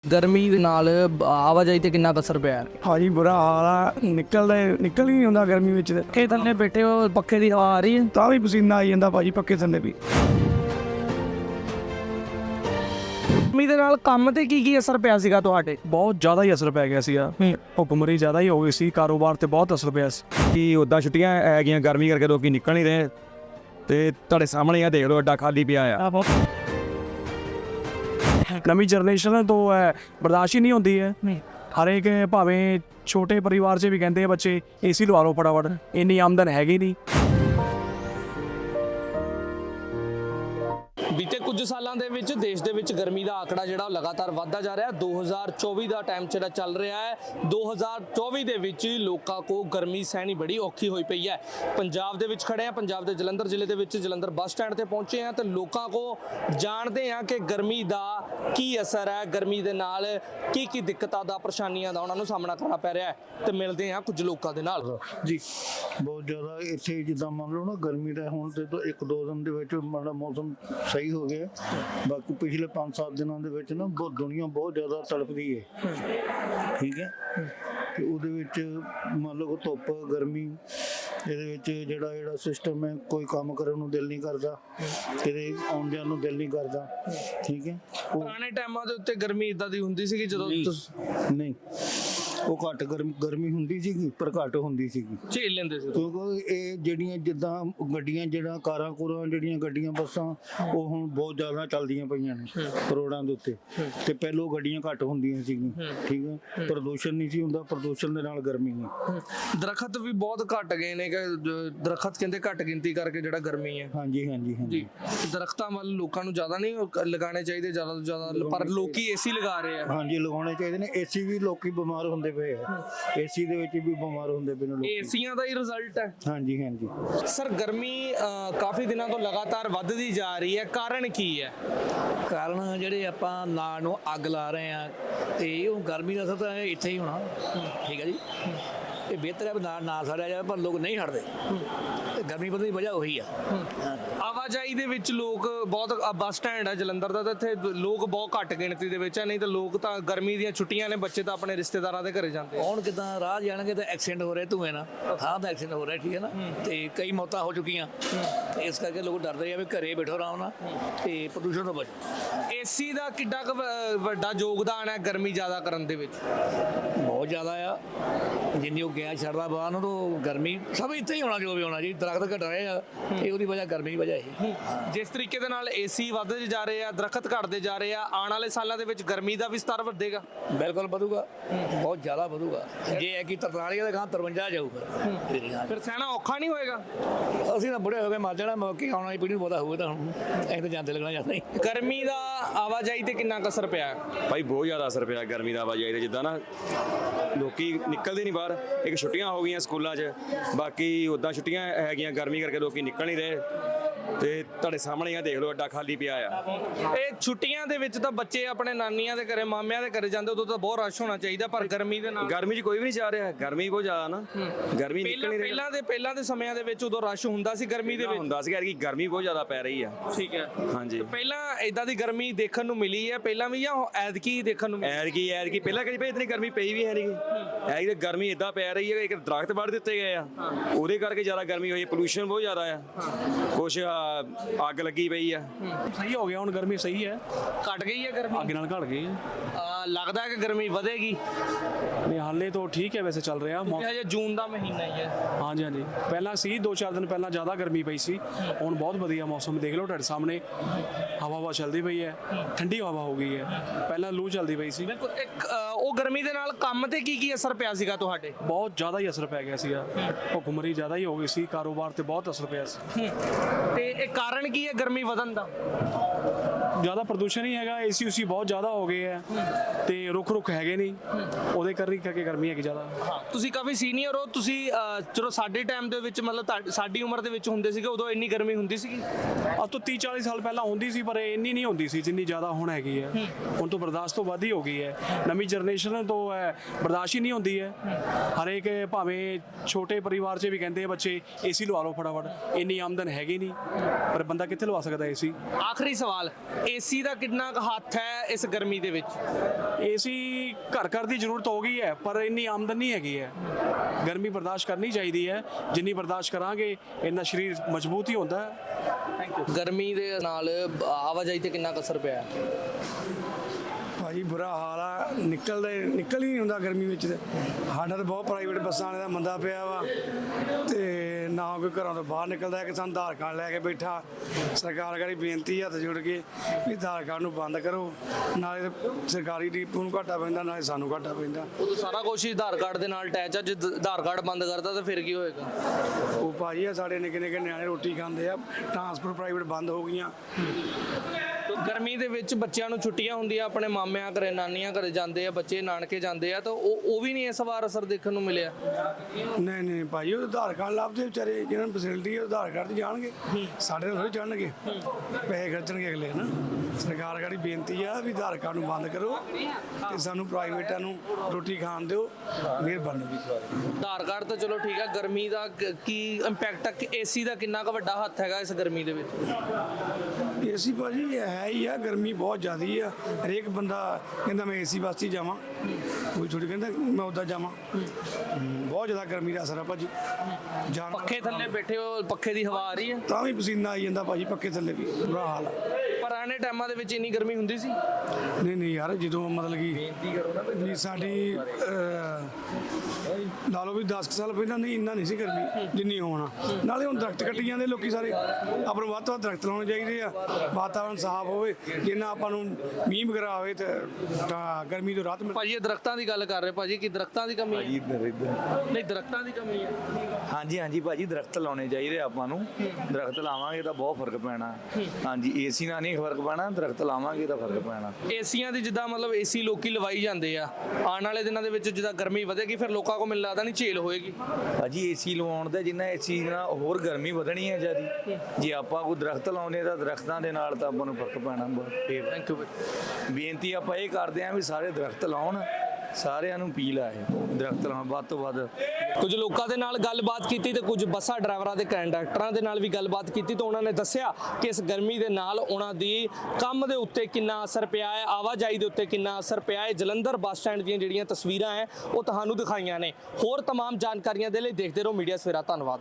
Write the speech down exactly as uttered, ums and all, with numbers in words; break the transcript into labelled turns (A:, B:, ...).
A: ਗਰਮੀ ਦੇ ਨਾਲ ਆਵਾਜਾਈ ਤੇ ਕਿੰਨਾ ਕੁ ਅਸਰ ਪਿਆ?
B: ਹਾਂਜੀ ਬੁਰਾ ਹਾਲ ਆ। ਨਿਕਲਦਾ ਨਿਕਲ ਹੀ ਨਹੀਂ ਹੁੰਦਾ ਗਰਮੀ ਵਿੱਚ ਤੇ
A: ਪੱਖੇ ਥੱਲੇ ਬੈਠੇ ਹੋ, ਪੱਖੇ ਦੀ ਹਵਾ ਆ ਰਹੀ ਹੈ
B: ਤਾਂ ਵੀ ਪਸੀਨਾ ਆਈ ਜਾਂਦਾ ਭਾਜੀ ਪੱਕੇ ਥੱਲੇ ਵੀ।
A: ਗਰਮੀ ਦੇ ਨਾਲ ਕੰਮ ਤੇ ਕੀ ਕੀ ਅਸਰ ਪਿਆ ਸੀਗਾ ਤੁਹਾਡੇ?
B: ਬਹੁਤ ਜ਼ਿਆਦਾ ਹੀ ਅਸਰ ਪੈ ਗਿਆ ਸੀਗਾ, ਭੁੱਖਮਰੀ ਜ਼ਿਆਦਾ ਹੀ ਹੋ ਗਈ ਸੀ, ਕਾਰੋਬਾਰ ਤੇ ਬਹੁਤ ਅਸਰ ਪਿਆ ਸੀ ਕਿ ਉੱਦਾਂ ਛੁੱਟੀਆਂ ਆ ਗਈਆਂ ਗਰਮੀ ਕਰਕੇ ਲੋਕੀ ਨਿਕਲ ਨਹੀਂ ਰਹੇ ਤੇ ਤੁਹਾਡੇ ਸਾਹਮਣੇ ਆ ਦੇਖ ਲਓ ਅੱਡਾ ਖਾਲੀ ਪਿਆ ਆ। ਨਵੀਂ ਜਨਰੇਸ਼ਨ ਤੋਂ ਹੈ ਬਰਦਾਸ਼ਤ ਹੀ ਨਹੀਂ ਹੁੰਦੀ ਹੈ। ਹਰੇਕ ਭਾਵੇਂ ਛੋਟੇ ਪਰਿਵਾਰ 'ਚ ਵੀ ਕਹਿੰਦੇ ਆ ਬੱਚੇ ਏ ਸੀ ਲਵਾ ਲਓ ਫਟਾਫਟ, ਇੰਨੀ ਆਮਦਨ ਹੈਗੀ ਨਹੀਂ।
A: ਬੀਤੇ ਕੁਝ ਸਾਲਾਂ ਦੇ ਵਿੱਚ ਦੇਸ਼ ਦੇ ਵਿੱਚ ਗਰਮੀ ਦਾ ਆંકੜਾ ਜਿਹੜਾ ਲਗਾਤਾਰ ਵੱਧਦਾ ਜਾ ਰਿਹਾ ਹੈ। ਦੋ ਹਜ਼ਾਰ ਚੌਵੀ ਦਾ ਟਾਈਮ ਜਿਹੜਾ ਚੱਲ ਰਿਹਾ ਹੈ, ਦੋ ਹਜ਼ਾਰ ਚੌਵੀ ਦੇ ਵਿੱਚ ਲੋਕਾਂ ਕੋ ਗਰਮੀ ਸਹਿਣੀ ਬੜੀ ਔਖੀ ਹੋਈ ਪਈ ਹੈ। ਪੰਜਾਬ ਦੇ ਵਿੱਚ ਖੜੇ ਆ, ਪੰਜਾਬ ਦੇ ਜਲੰਧਰ ਜ਼ਿਲ੍ਹੇ ਦੇ ਵਿੱਚ ਜਲੰਧਰ ਬੱਸ ਸਟੈਂਡ ਤੇ ਪਹੁੰਚੇ ਆ ਤੇ ਲੋਕਾਂ ਕੋ ਜਾਣਦੇ ਆ ਕਿ ਗਰਮੀ ਦਾ ਕੀ ਅਸਰ ਹੈ, ਗਰਮੀ ਦੇ ਨਾਲ ਕੀ ਕੀ ਦਿੱਕਤਾਂ ਦਾ ਪਰੇਸ਼ਾਨੀਆਂ ਦਾ ਉਹਨਾਂ ਨੂੰ ਸਾਹਮਣਾ ਕਰਨਾ ਪੈ ਰਿਹਾ ਹੈ ਤੇ ਮਿਲਦੇ ਆ ਕੁਝ ਲੋਕਾਂ ਦੇ ਨਾਲ ਜੀ।
C: ਬਹੁਤ ਜ਼ਿਆਦਾ ਇੱਥੇ ਜਿੱਦਾਂ ਮੰਨ ਲਓ ਨਾ ਗਰਮੀ ਦਾ ਹੁਣ ਤੇ ਤੋਂ ਇੱਕ ਦੋ ਦਿਨ ਦੇ ਵਿੱਚ ਮਾੜਾ ਮੌਸਮ ਸਹੀ ਹੋ ਗਿਆ। ਬਾਕੀ ਪਿਛਲੇ ਪੰਜ ਸੱਤ ਦਿਨਾਂ ਦੇ ਵਿੱਚ ਨਾ ਬਹੁਤ ਦੁਨੀਆ ਬਹੁਤ ਜ਼ਿਆਦਾ ਤੜਫਦੀ ਹੈ, ਠੀਕ ਹੈ। ਤੇ ਉਹਦੇ ਵਿੱਚ ਮੰਨ ਲਓ ਧੁੱਪ ਗਰਮੀ ਇਹਦੇ ਵਿੱਚ ਜਿਹੜਾ ਜਿਹੜਾ ਸਿਸਟਮ ਹੈ, ਕੋਈ ਕੰਮ ਕਰਨ ਨੂੰ ਦਿਲ ਨਹੀਂ ਕਰਦਾ, ਕਿਤੇ ਆਉਂਦਿਆਂ ਨੂੰ ਦਿਲ ਨਹੀਂ ਕਰਦਾ, ਠੀਕ ਹੈ।
A: ਪੁਰਾਣੇ ਟਾਈਮਾਂ ਦੇ ਉੱਤੇ ਗਰਮੀ ਇਦਾਂ ਦੀ ਹੁੰਦੀ ਸੀਗੀ ਜਦੋਂ
C: ਨਹੀਂ ਉਹ ਘੱਟ ਗਰਮੀ ਗਰਮੀ ਹੁੰਦੀ ਸੀਗੀ ਪਰ ਘੱਟ ਹੁੰਦੀ ਸੀਗੀ,
A: ਝੇਲ ਲੈਂਦੇ ਸੀ।
C: ਕਿਉਂਕਿ ਇਹ ਜਿਹੜੀਆਂ ਜਿੱਦਾਂ ਗੱਡੀਆਂ ਜਿਹੜਾ ਕਾਰਾਂ ਕੂਰਾਂ ਜਿਹੜੀਆਂ ਗੱਡੀਆਂ ਬੱਸਾਂ ਉਹ ਹੁਣ ਬਹੁਤ ਜ਼ਿਆਦਾ ਚੱਲਦੀਆਂ ਪਈਆਂ ਨੇ ਰੋਡਾਂ ਦੇ ਉੱਤੇ, ਤੇ ਪਹਿਲੋਂ ਗੱਡੀਆਂ ਘੱਟ ਹੁੰਦੀਆਂ ਸੀਗੀਆਂ, ਠੀਕ ਹੈ। ਪ੍ਰਦੂਸ਼ਣ ਨਹੀਂ ਸੀ ਹੁੰਦਾ, ਪ੍ਰਦੂਸ਼ਣ ਦੇ ਨਾਲ ਗਰਮੀ ਨਹੀਂ।
A: ਦਰਖਤ ਵੀ ਬਹੁਤ ਘਟ ਗਏ ਨੇ ਕਿ ਦਰਖਤ ਕਹਿੰਦੇ ਘੱਟ ਗਿਣਤੀ ਕਰਕੇ ਜਿਹੜਾ ਗਰਮੀ ਹੈ।
C: ਹਾਂਜੀ ਹਾਂਜੀ ਹਾਂਜੀ
A: ਦਰਖਤਾਂ ਵੱਲ ਲੋਕਾਂ ਨੂੰ ਜ਼ਿਆਦਾ ਨਹੀਂ ਲਗਾਉਣੇ ਚਾਹੀਦੇ, ਜ਼ਿਆਦਾ ਤੋਂ ਜ਼ਿਆਦਾ, ਪਰ ਲੋਕੀ ਏਸੀ ਲਗਾ ਰਹੇ ਆ।
C: ਹਾਂਜੀ ਲਗਾਉਣੇ ਚਾਹੀਦੇ ਨੇ। ਏਸੀ ਵੀ ਲੋਕੀ ਬਿਮਾਰ ਹੁੰਦੇ ਪਏ ਆ, ਏਸੀ ਦੇ ਵਿੱਚ ਵੀ ਬਿਮਾਰ ਹੁੰਦੇ ਪਏ ਨੇ ਲੋਕੀ।
A: ਏਸੀਆਂ ਦਾ ਹੀ ਰਿਜ਼ਲਟ ਹੈ।
C: ਹਾਂਜੀ ਹਾਂਜੀ
A: ਸਰ ਗਰਮੀ ਕਾਫੀ ਦਿਨਾਂ ਤੋਂ ਲਗਾਤਾਰ ਵੱਧਦੀ ਜਾ ਰਹੀ ਹੈ, ਕਾਰਨ ਕੀ ਹੈ?
D: ਕਾਰਨ ਜਿਹੜੇ ਆਪਾਂ ਨਾੜ ਨੂੰ ਅੱਗ ਲਾ ਰਹੇ ਆ ਤੇ ਉਹ ਗਰਮੀ ਦਾ ਅਸਰ ਤਾਂ ਇੱਥੇ ਹੀ ਹੋਣਾ, ਠੀਕ ਹੈ ਜੀ। ਇਹ ਬਿਹਤਰ ਹੈ ਨਾੜ ਨਾ ਸਾੜਿਆ ਜਾਵੇ, ਪਰ ਲੋਕ ਨਹੀਂ ਹਟਦੇ ਤੇ ਗਰਮੀ ਵਧਣ ਦੀ ਵਜ੍ਹਾ ਉਹੀ ਆ।
A: ਆਵਾਜਾਈ ਦੇ ਵਿੱਚ ਲੋਕ ਬਹੁਤ, ਬੱਸ ਸਟੈਂਡ ਹੈ ਜਲੰਧਰ ਦਾ, ਤਾਂ ਇੱਥੇ ਲੋਕ ਬਹੁਤ ਘੱਟ ਗਿਣਤੀ ਦੇ ਵਿੱਚ ਹੈ, ਨਹੀਂ ਤਾਂ ਲੋਕ ਤਾਂ ਗਰਮੀ ਦੀਆਂ ਛੁੱਟੀਆਂ ਨੇ, ਬੱਚੇ ਤਾਂ ਆਪਣੇ ਰਿਸ਼ਤੇਦਾਰਾਂ ਦੇ ਘਰੇ ਜਾਂਦੇ ਆ।
D: ਕੌਣ ਕਿੱਦਾਂ ਰਾਹ ਜਾਣਗੇ ਤਾਂ ਐਕਸੀਡੈਂਟ ਹੋ ਰਹੇ ਧੂਏ ਨਾਲ, ਹਾਂ ਤਾਂ ਐਕਸੀਡੈਂਟ ਹੋ ਰਿਹਾ, ਠੀਕ ਹੈ ਨਾ। ਤੇ ਕਈ ਮੌਤਾਂ ਹੋ ਚੁੱਕੀਆਂ ਤੇ ਇਸ ਕਰਕੇ ਲੋਕ ਡਰਦੇ ਆ ਵੀ ਘਰੇ ਬੈਠੋ ਆਰਾਮ ਨਾਲ ਤੇ ਪ੍ਰਦੂਸ਼ਣ ਤੋਂ ਬਚੋ।
A: ਏਸੀ ਦਾ ਕਿੱਡਾ ਕੁ ਵ- ਵੱਡਾ ਯੋਗਦਾਨ ਹੈ ਗਰਮੀ ਜ਼ਿਆਦਾ ਕਰਨ ਦੇ ਵਿੱਚ?
D: ਬਹੁਤ ਜ਼ਿਆਦਾ ਆ। ਜਿੰਨੀ ਉਹ ਗੈਸ ਛੱਡਦਾ ਬਾਹਰ ਨੂੰ ਤਾਂ ਗਰਮੀ ਸਭ ਇੱਥੇ ਹੀ ਹੋਣਾ, ਜੋ ਵੀ ਹੋਣਾ ਜੀ। ਦਰਖਤ ਘਟ ਰਹੇ ਆ ਇਹ ਉਹਦੀ ਵਜ੍ਹਾ, ਗਰਮੀ ਦੀ ਵਜ੍ਹਾ ਇਹ।
A: ਜਿਸ ਤਰੀਕੇ ਦੇ ਨਾਲ ਏਸੀ ਵੱਧਦੇ ਜਾ ਰਹੇ ਆ, ਦਰਖਤ ਘਟਦੇ ਜਾ ਰਹੇ ਆ, ਆਉਣ ਵਾਲੇ ਸਾਲਾਂ ਦੇ ਵਿੱਚ ਗਰਮੀ ਦਾ ਵੀ ਸਤਰ ਵਧੇਗਾ।
D: ਬਿਲਕੁਲ ਵਧੂਗਾ, ਬਹੁਤ ਜ਼ਿਆਦਾ ਵਧੂਗਾ। ਜੇ ਹੈ ਕਿ ਤਰਤਾਲੀ ਦੇ ਗਾਂ ਤਰਵੰਜਾ ਜਾਊਗਾ,
A: ਫਿਰ ਸਹਿਣਾ ਔਖਾ ਨਹੀਂ ਹੋਏਗਾ?
D: ਅਸੀਂ ਤਾਂ ਬੁੜੇ ਹੋ ਗਏ ਮਰ ਜਾਣਾ, ਮੌਕੇ ਆਉਣ ਵਾਲੀ ਪੀੜ੍ਹੀ ਨੂੰ ਪਤਾ ਹੋਊਗਾ ਤਾਂ ਹੁਣ ਅਸੀਂ ਤਾਂ ਜਾਂਦੇ ਲੱਗਣਾ ਜਾਂਦਾ ਹੀ।
A: ਗਰਮੀ ਦਾ ਆਵਾਜਾਈ ਤੇ ਕਿੰਨਾ ਕੁ ਅਸਰ ਪਿਆ?
E: ਭਾਈ ਬਹੁਤ ਜ਼ਿਆਦਾ ਅਸਰ ਪਿਆ ਗਰਮੀ ਦਾ ਆਵਾਜਾਈ ਤੇ। ਜਿੱਦਾਂ ਨਾ ਲੋਕੀ ਨਿਕਲਦੇ ਨਹੀਂ ਬਾਹਰ, ਇੱਕ ਛੁੱਟੀਆਂ ਹੋ ਗਈਆਂ ਸਕੂਲਾਂ 'ਚ, ਬਾਕੀ ਉੱਦਾਂ ਛੁੱਟੀਆਂ ਹੈਗੀਆਂ ਗਰਮੀ ਕਰਕੇ ਲੋਕੀ ਨਿਕਲ ਨਹੀਂ ਰਹੇ ਤੇ ਤੁਹਾਡੇ ਸਾਹਮਣੇ ਆ ਦੇਖ ਲਓ ਅੱਡਾ ਖਾਲੀ ਪਿਆ ਆ।
A: ਇਹ ਛੁੱਟੀਆਂ ਦੇ ਵਿੱਚ ਤਾਂ ਬੱਚੇ ਆਪਣੇ ਨਾਨੀਆਂ ਦੇ ਘਰੇ, ਮਾਮਿਆਂ ਦੇ ਘਰੇ ਜਾਂਦੇ, ਉਦੋਂ ਤਾਂ ਬਹੁਤ ਰਸ਼ ਹੋਣਾ ਚਾਹੀਦਾ, ਪਰ ਗਰਮੀ ਦੇ ਨਾਲ
E: ਗਰਮੀ 'ਚ ਕੋਈ ਵੀ ਨਹੀਂ ਜਾ ਰਿਹਾ, ਗਰਮੀ ਬਹੁਤ ਜ਼ਿਆਦਾ ਨਾ, ਗਰਮੀ ਨਿਕਲ
A: ਪਹਿਲਾਂ
E: ਨਹੀਂ ਰਹੀ।
A: ਪਹਿਲਾਂ ਦੇ ਪਹਿਲਾਂ ਦੇ ਸਮਿਆਂ ਦੇ ਵਿੱਚ ਉਦੋਂ ਰਸ਼ ਹੁੰਦਾ ਸੀ ਗਰਮੀ ਦੇ ਵਿੱਚ।
E: ਹੁੰਦਾ ਸੀ ਕਿ ਗਰਮੀ ਬਹੁਤ ਜ਼ਿਆਦਾ ਪੈ ਰਹੀ ਆ।
A: ਠੀਕ ਹੈ।
E: ਹਾਂਜੀ
A: ਪਹਿਲਾਂ ਇਦਾਂ ਦੀ ਗਰਮੀ ਦੇਖਣ ਨੂੰ ਮਿਲੀ ਹੈ ਪਹਿਲਾਂ ਵੀ, ਜਾਂ ਐਤਕੀ ਦੇਖਣ ਨੂੰ ਮਿਲੀ?
E: ਐਤਕੀ ਐਤਕੀ ਪਹਿਲਾਂ ਕਦੀ ਭਾਈ ਇਤਨੀ ਗਰਮੀ ਪਈ ਵੀ ਹੈ ਨਹੀਂ। ਐਤਕੀ ਤੇ ਗਰਮੀ ਇਦਾਂ ਪੈ ਰਹੀ ਹੈ, ਇੱਕ ਦਰਖਤ ਵੱਢ ਦਿੱਤੇ ਗਏ ਆ, ਉਹਦੇ ਕਰਕੇ ਜ਼ਿਆਦਾ ਗਰਮੀ ਹੋਈ। ਪੋਲੂਸ਼ਨ ਬਹੁਤ ਜ਼ਿਆਦਾ ਆ, ਕੁਛ ਅੱਗ ਲੱਗੀ ਪਈ ਆ।
B: ਸਹੀ ਹੋ ਗਿਆ ਹੁਣ, ਗਰਮੀ ਸਹੀ ਹੈ,
A: ਘਟ ਗਈ ਹੈ ਗਰਮੀ?
B: ਅੱਗੇ ਨਾਲ ਘਟ ਗਈ ਹੈ।
A: ਅਹ ਲੱਗਦਾ ਹੈ ਕਿ ਗਰਮੀ ਵਧੇਗੀ?
B: ਨਹੀਂ ਹਾਲੇ ਤਾਂ ਠੀਕ ਹੈ, ਵੈਸੇ ਚੱਲ ਰਿਹਾ ਮੌ-
A: ਹਜੇ ਜੂਨ ਦਾ ਮਹੀਨਾ ਹੀ ਹੈ।
B: ਹਾਂਜੀ ਹਾਂਜੀ ਪਹਿਲਾਂ ਸੀ ਦੋ ਚਾਰ ਦਿਨ ਪਹਿਲਾਂ ਜ਼ਿਆਦਾ ਗਰਮੀ ਪਈ ਸੀ, ਹੁਣ ਬਹੁਤ ਵਧੀਆ ਮੌਸਮ ਦੇਖ ਲਓ ਤੁਹਾਡੇ ਸਾਹਮਣੇ, ਹਵਾ ਹਵਾ ਚੱਲਦੀ ਪਈ ਹੈ, ਠੰਡੀ ਹਵਾ ਹੋ ਗਈ ਹੈ, ਪਹਿਲਾਂ ਲੂ ਚੱਲਦੀ ਪਈ ਸੀ।
A: ਬਿਲਕੁਲ। ਇੱਕ ਅਹ, ਉਹ ਗਰਮੀ ਦੇ ਨਾਲ ਕੰਮ ਤੇ ਕੀ ਕੀ ਅਸਰ ਪਿਆ ਸੀਗਾ ਤੁਹਾਡੇ?
B: ਬਹੁਤ ਜ਼ਿਆਦਾ ਹੀ ਅਸਰ ਪੈ ਗਿਆ ਸੀਗਾ, ਭੁੱਖਮਰੀ ਜ਼ਿਆਦਾ ਹੀ ਹੋ ਗਈ ਸੀ, ਕਾਰੋਬਾਰ ਤੇ ਬਹੁਤ ਅਸਰ ਪਿਆ ਸੀ।
A: ਤੇ ਇਹ ਕਾਰਨ ਕੀ ਹੈ ਗਰਮੀ ਵਧਣ ਦਾ?
B: ਜ਼ਿਆਦਾ ਪ੍ਰਦੂਸ਼ਣ ਹੀ ਹੈਗਾ, ਏਸੀ ਉਸੀ ਬਹੁਤ ਜ਼ਿਆਦਾ ਹੋ ਗਏ ਹੈ ਤੇ ਰੁੱਖ ਰੁੱਖ ਹੈਗੇ ਨਹੀਂ, ਉਹਦੇ ਕਰਕੇ ਕਰਕੇ ਗਰਮੀ ਹੈਗੀ ਜ਼ਿਆਦਾ।
A: ਤੁਸੀਂ ਕਾਫੀ ਸੀਨੀਅਰ ਹੋ, ਤੁਸੀਂ ਅਹ, ਚਲੋ ਸਾਡੇ ਟਾਈਮ ਦੇ ਵਿੱਚ, ਮਤਲਬ ਤੁਹਾਡੀ- ਸਾਡੀ ਉਮਰ ਦੇ ਵਿੱਚ ਹੁੰਦੇ ਸੀਗੇ, ਉਦੋਂ ਇੰਨੀ ਗਰਮੀ ਹੁੰਦੀ ਸੀਗੀ?
B: ਅੱਜ ਤੋਂ ਤੀਹ ਚਾਲੀ ਸਾਲ ਪਹਿਲਾਂ ਹੁੰਦੀ ਸੀ, ਪਰ ਇੰਨੀ ਨਹੀਂ ਹੁੰਦੀ ਸੀ ਜਿੰਨੀ ਜ਼ਿਆਦਾ ਹੁਣ ਹੈਗੀ ਹੈ। ਹੁਣ ਤੋਂ ਬਰਦਾਸ਼ਤ ਤੋਂ ਵੱਧ ਹੀ ਹੋ ਗਈ ਹੈ। ਨਵੀਂ ਜਨਰੇਸ਼ਨ ਤੋਂ ਹੈ ਬਰਦਾਸ਼ਤ ਹੀ ਨਹੀਂ ਹੁੰਦੀ ਹੈ। ਹਰੇਕ ਭਾਵੇਂ ਛੋਟੇ ਪਰਿਵਾਰ 'ਚ ਵੀ ਕਹਿੰਦੇ ਆ ਬੱਚੇ ਏ ਸੀ ਲਵਾ ਲਓ ਫਟਾਫਟ, ਇੰਨੀ ਆਮਦਨ ਹੈਗੀ ਨਹੀਂ, ਪਰ ਬੰਦਾ ਕਿੱਥੇ ਲਵਾ ਸਕਦਾ ਏ ਸੀ?
A: ਆਖਰੀ ਸਵਾਲ, ਏਸੀ ਦਾ ਕਿੰਨਾ ਕੁ ਹੱਥ ਹੈ ਇਸ ਗਰਮੀ ਦੇ ਵਿੱਚ?
B: ਏਸੀ ਘਰ ਘਰ ਦੀ ਜ਼ਰੂਰਤ ਹੋ ਗਈ ਹੈ, ਪਰ ਇੰਨੀ ਆਮਦਨ ਨਹੀਂ ਹੈਗੀ ਹੈ। ਗਰਮੀ ਬਰਦਾਸ਼ਤ ਕਰਨੀ ਚਾਹੀਦੀ ਹੈ, ਜਿੰਨੀ ਬਰਦਾਸ਼ਤ ਕਰਾਂਗੇ ਇੰਨਾ ਸਰੀਰ ਮਜ਼ਬੂਤ ਹੀ ਹੁੰਦਾ ਹੈ।
A: ਗਰਮੀ ਦੇ ਨਾਲ ਆਵਾਜਾਈ ਤੇ ਕਿੰਨਾ ਕੁ ਅਸਰ ਪਿਆ?
F: ਭਾਜੀ ਬੁਰਾ ਹਾਲ ਆ, ਨਿਕਲਦੇ ਨਿਕਲ ਹੀ ਨਹੀਂ ਹੁੰਦਾ ਗਰਮੀ ਵਿੱਚ ਤੇ। ਸਾਡਾ ਤਾਂ ਬਹੁਤ ਪ੍ਰਾਈਵੇਟ ਬੱਸਾਂ ਵਾਲੇ ਦਾ ਮੰਦਾ ਪਿਆ ਵਾ, ਤੇ ਨਾ ਕੋਈ ਘਰਾਂ ਤੋਂ ਬਾਹਰ ਨਿਕਲਦਾ ਕਿ ਸਾਨੂੰ ਆਧਾਰ ਕਾਰਡ ਲੈ ਕੇ ਬੈਠਾ। ਸਰਕਾਰ ਕਰੀ ਬੇਨਤੀ ਹੱਥ ਜੋੜ ਕੇ ਵੀ ਆਧਾਰ ਕਾਰਡ ਨੂੰ ਬੰਦ ਕਰੋ, ਨਾਲੇ ਸਰਕਾਰੀ ਡੀਪੂ ਨੂੰ ਘਾਟਾ ਪੈਂਦਾ, ਨਾਲੇ ਸਾਨੂੰ ਘਾਟਾ ਪੈਂਦਾ।
A: ਉਹ ਤਾਂ ਸਾਰਾ ਕੁਝ ਹੀ ਆਧਾਰ ਕਾਰਡ ਦੇ ਨਾਲ ਅਟੈਚ ਆ। ਜੇ ਆਧਾਰ ਕਾਰਡ ਬੰਦ ਕਰਦਾ ਤਾਂ ਫਿਰ ਕੀ ਹੋਏਗਾ?
F: ਉਹ ਭਾਜੀ ਆ ਸਾਡੇ ਨਿੱਕੇ ਨਿੱਕੇ ਨਿਆਣੇ ਰੋਟੀ ਖਾਂਦੇ ਆ, ਟਰਾਂਸਪੋਰਟ ਪ੍ਰਾਈਵੇਟ ਬੰਦ ਹੋ ਗਈਆਂ।
A: ਗਰਮੀ ਦੇ ਵਿੱਚ ਬੱਚਿਆਂ ਨੂੰ ਛੁੱਟੀਆਂ ਹੁੰਦੀਆਂ, ਆਪਣੇ ਮਾਮਿਆਂ ਘਰੇ ਨਾਨੀਆਂ ਘਰੇ ਜਾਂਦੇ ਆ, ਬੱਚੇ ਨਾਨਕੇ ਜਾਂਦੇ ਆ, ਤਾਂ ਉਹ ਉਹ ਵੀ ਨਹੀਂ ਇਸ ਵਾਰ ਅਸਰ ਦੇਖਣ ਨੂੰ ਮਿਲਿਆ।
F: ਨਹੀਂ ਨਹੀਂ ਭਾਜੀ, ਉਹ ਆਧਾਰ ਕਾਰਡ ਲੱਭਦੇ ਵਿਚਾਰੇ, ਜਿਹਨਾਂ ਨੂੰ ਫੈਸਿਲਿਟੀ ਹੈ ਆਧਾਰ ਕਾਰਡ ਤੇ ਜਾਣਗੇ, ਸਾਡੇ ਨਾਲ ਥੋੜ੍ਹੀ ਚੜਨਗੇ, ਪੈਸੇ ਖਰਚਣਗੇ ਅਗਲੇ ਨਾ। ਸਰਕਾਰ ਕਰੀ ਬੇਨਤੀ ਆ ਵੀ ਆਧਾਰ ਕਾਰਡ ਨੂੰ ਬੰਦ ਕਰੋ ਤੇ ਸਾਨੂੰ ਪ੍ਰਾਈਵੇਟਾਂ ਨੂੰ ਰੋਟੀ ਖਾਣ ਦਿਓ, ਮਿਹਰਬਾਨੀ ਜੀ।
A: ਆਧਾਰ ਕਾਰਡ ਤਾਂ ਚਲੋ ਠੀਕ ਹੈ, ਗਰਮੀ ਦਾ ਕ- ਕੀ ਇੰਪੈਕਟ ਹੈ? ਏਸੀ ਦਾ ਕਿੰਨਾ ਕੁ ਵੱਡਾ ਹੱਥ ਹੈਗਾ ਇਸ ਗਰਮੀ ਦੇ ਵਿੱਚ?
F: ਏਸੀ ਭਾਜੀ ਹੈ ਹੀ ਆ, ਗਰਮੀ ਬਹੁਤ ਜ਼ਿਆਦੀ ਆ। ਹਰੇਕ ਬੰਦਾ ਕਹਿੰਦਾ ਮੈਂ ਏਸੀ ਵਾਸਤੇ ਹੀ ਜਾਵਾਂ, ਕੋਈ ਥੋੜੀ ਕਹਿੰਦਾ ਮੈਂ ਉੱਦਾਂ ਜਾਵਾਂ। ਹਮ, ਬਹੁਤ ਜ਼ਿਆਦਾ ਗਰਮੀ ਦਾ ਅਸਰ ਆ ਭਾਜੀ। ਜਾਨ
A: ਪੱਖੇ ਥੱਲੇ ਬੈਠੇ ਹੋ, ਪੱਖੇ ਦੀ ਹਵਾ ਆ ਰਹੀ ਹੈ,
F: ਤਾਂ ਵੀ ਪਸੀਨਾ ਆਈ ਜਾਂਦਾ ਭਾਜੀ, ਪੱਕੇ ਥੱਲੇ ਵੀ ਬੁਰਾ ਹਾਲ ਆ।
A: ਪੁਰਾਣੇ ਟਾਈਮਾਂ ਦੇ ਵਿੱਚ ਇੰਨੀ ਗਰਮੀ ਹੁੰਦੀ ਸੀ?
F: ਨਹੀਂ ਨਹੀਂ ਯਾਰ, ਜਦੋਂ ਮਤਲਬ ਕਿ ਬੇਨਤੀ ਕਰੋ ਨਾ ਵੀ ਸਾਡੀ ਅਹ, ਲਾ ਲਓ ਵੀ ਦਸ ਕੁ ਸਾਲ ਪਹਿਲਾਂ ਨਹੀਂ ਇੰਨਾ ਨਹੀਂ ਸੀ ਗਰਮੀ ਜਿੰਨੀ ਹੁਣ ਆ। ਨਾਲੇ ਹੁਣ ਦਰਖਤ ਕੱਟੀ ਜਾਂਦੇ ਲੋਕੀ ਸਾਰੇ, ਆਪਾਂ ਨੂੰ ਵੱਧ ਤੋਂ ਵੱਧ ਦਰਖਤ ਲਾਉਣੇ ਚਾਹੀਦੇ ਆ, ਵਾਤਾਵਰਨ ਸਾਫ਼ ਹੋਵੇ, ਜਿੰਨਾ ਆਪਾਂ ਨੂੰ ਮੀਂਹ ਵਗੈਰਾ ਆਵੇ ਤੇ ਤਾਂ ਗਰਮੀ ਤੋਂ ਰਾਹਤ ਮਿਲੇ।
A: ਭਾਜੀ ਇਹ ਦਰਖਤਾਂ ਦੀ ਗੱਲ ਕਰ ਰਹੇ ਭਾਜੀ, ਕਿ ਦਰਖਤਾਂ ਦੀ ਕਮੀ ਹੈ? ਨਹੀਂ, ਦਰਖਤਾਂ ਦੀ ਕਮੀ ਹੈ।
G: ਹਾਂਜੀ ਹਾਂਜੀ ਭਾਜੀ, ਦਰਖਤ ਲਾਉਣੇ ਚਾਹੀਦੇ ਆਪਾਂ ਨੂੰ। ਦਰਖਤ ਲਾਵਾਂਗੇ ਤਾਂ ਬਹੁਤ ਫਰਕ ਪੈਣਾ। ਹਾਂਜੀ, ਏਸੀ ਨਾਲ ਨਹੀਂ ਫਰਕ ਪੈਣਾ, ਦਰਖਤ ਲਾਵਾਂਗੇ ਤਾਂ ਫਰਕ ਪੈਣਾ।
A: ਏਸੀਆਂ ਦੀ ਜਿੱਦਾਂ ਮਤਲਬ ਏਸੀ ਲੋਕੀ ਲਵਾਈ ਜਾਂਦੇ ਆ, ਆਉਣ ਵਾਲੇ ਦਿਨਾਂ ਦੇ ਵਿੱਚ ਜਿੱਦਾਂ ਗਰਮੀ ਵਧੇਗੀ ਫਿਰ ਲੋਕਾਂ ਕੋਲ ਮੈਨੂੰ ਲੱਗਦਾ ਨਹੀਂ ਝੇਲ ਹੋਏਗੀ।
G: ਭਾਜੀ ਏਸੀ ਲਵਾਉਣ ਦਾ ਜਿੰਨਾ ਏਸੀ ਨਾਲ ਹੋਰ ਗਰਮੀ ਵਧਣੀ ਹੈ ਜਿਆਦੀ। ਜੇ ਆਪਾਂ ਕੋਈ ਦਰਖਤ ਲਾਉਂਦੇ ਤਾਂ ਦਰਖਤਾਂ ਦੇ ਨਾਲ ਤਾਂ ਆਪਾਂ ਨੂੰ ਫਰਕ ਪੈਣਾ ਬਹੁਤ। ਫਿਰ
A: ਥੈਂਕ ਯੂ।
G: ਬੇਨਤੀ ਆਪਾਂ ਇਹ ਕਰਦੇ ਆਂ ਵੀ ਸਾਰੇ ਦਰਖਤ ਲਾਉਣ, ਸਾਰਿਆਂ ਨੂੰ ਅਪੀਲ ਆ ਇਹ ਦਰਖਤ ਲਾਉਣ ਵੱਧ ਤੋਂ ਵੱਧ।
A: ਕੁਝ ਲੋਕਾਂ ਦੇ ਨਾਲ ਗੱਲਬਾਤ ਕੀਤੀ ਤੇ ਕੁਝ ਬੱਸਾਂ ਡਰਾਈਵਰਾਂ ਤੇ ਕੰਡਕਟਰਾਂ ਦੇ ਨਾਲ ਵੀ ਗੱਲਬਾਤ ਕੀਤੀ ਤਾਂ ਉਹਨਾਂ ਨੇ ਦੱਸਿਆ ਕਿ ਇਸ ਗਰਮੀ ਦੇ ਨਾਲ ਉਹਨਾਂ ਦੀ ਕੰਮ ਦੇ ਉੱਤੇ ਕਿੰਨਾ ਅਸਰ ਪਿਆ ਹੈ, ਆਵਾਜਾਈ ਦੇ ਉੱਤੇ ਕਿੰਨਾ ਅਸਰ ਪਿਆ ਹੈ। ਜਲੰਧਰ ਬੱਸ ਸਟੈਂਡ ਦੀਆਂ ਜਿਹੜੀਆਂ ਤਸਵੀਰਾਂ ਹੈ ਉਹ ਤੁਹਾਨੂੰ ਦਿਖਾਈਆਂ ਨੇ। ਹੋਰ तमाम ਜਾਣਕਾਰੀਆਂ ਦੇ ਲਈ ਦੇਖਦੇ ਰਹੋ ਮੀਡੀਆ ਸਵੇਰਾ। ਧੰਨਵਾਦ।